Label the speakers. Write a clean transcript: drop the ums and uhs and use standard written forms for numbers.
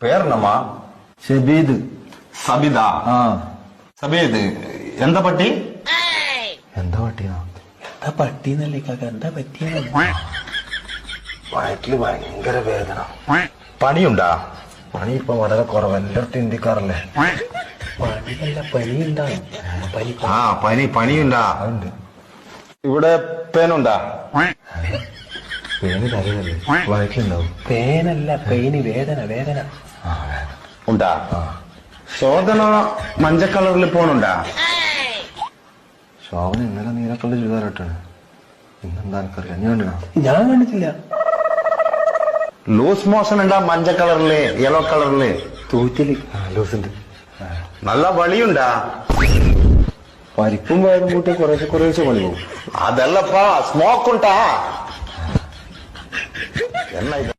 Speaker 1: പേരെന്നമ്മാ?
Speaker 2: ഷബീദ്.
Speaker 1: സബിത.
Speaker 2: ആ.
Speaker 1: സബീദ്. എന്താ പട്ടി?
Speaker 2: എന്താ പട്ടിയാ?
Speaker 3: എന്താ പട്ടിന്നല്ലേ കാക്ക, എന്താ പറ്റിയ?
Speaker 2: വയറ്റില് ഭയങ്കര വേദന.
Speaker 1: പണിയുണ്ടാ?
Speaker 2: പണി ഇപ്പൊ വളരെ കുറവ്, എല്ലായിടത്തും ഇന്ത്യക്കാറല്ലേ.
Speaker 3: പണിയല്ല, പനി ഉണ്ടാവും.
Speaker 1: പനിയുണ്ടാ?
Speaker 2: അതുണ്ട്.
Speaker 1: ഇവിടെ പേനുണ്ടാ?
Speaker 2: പേന് തലയല്ലേ, വയറ്റിലുണ്ടാവും.
Speaker 3: പേനല്ല, പെയിന്, വേദന വേദന.
Speaker 1: ഉണ്ടാ? ശോധന മഞ്ഞ കളറിൽ പോണുണ്ടാ?
Speaker 2: ശോഭന ഇന്നലെ നീലക്കള്ള ചുരിദാറിട്ടാണ്. ഇന്നെന്താ എനിക്കറിയാം, ഞാൻ കണ്ടിനാ?
Speaker 3: ഞാൻ കണ്ടിട്ടില്ല.
Speaker 1: ലൂസ് മോഷൻ ഉണ്ടാ? മഞ്ഞ കളറില്, യെല്ലോ കളറില്
Speaker 3: തൂറ്റല്.
Speaker 2: ലൂസുണ്ട്.
Speaker 1: നല്ല വളിയുണ്ടാ?
Speaker 2: പരിപ്പും വയറും കൂട്ടി കുറേശ്ശെ പണി പോകും.
Speaker 1: അതല്ലപ്പാ, സ്മോക്ക് ഉണ്ടാ? എന്നാ ഇത്?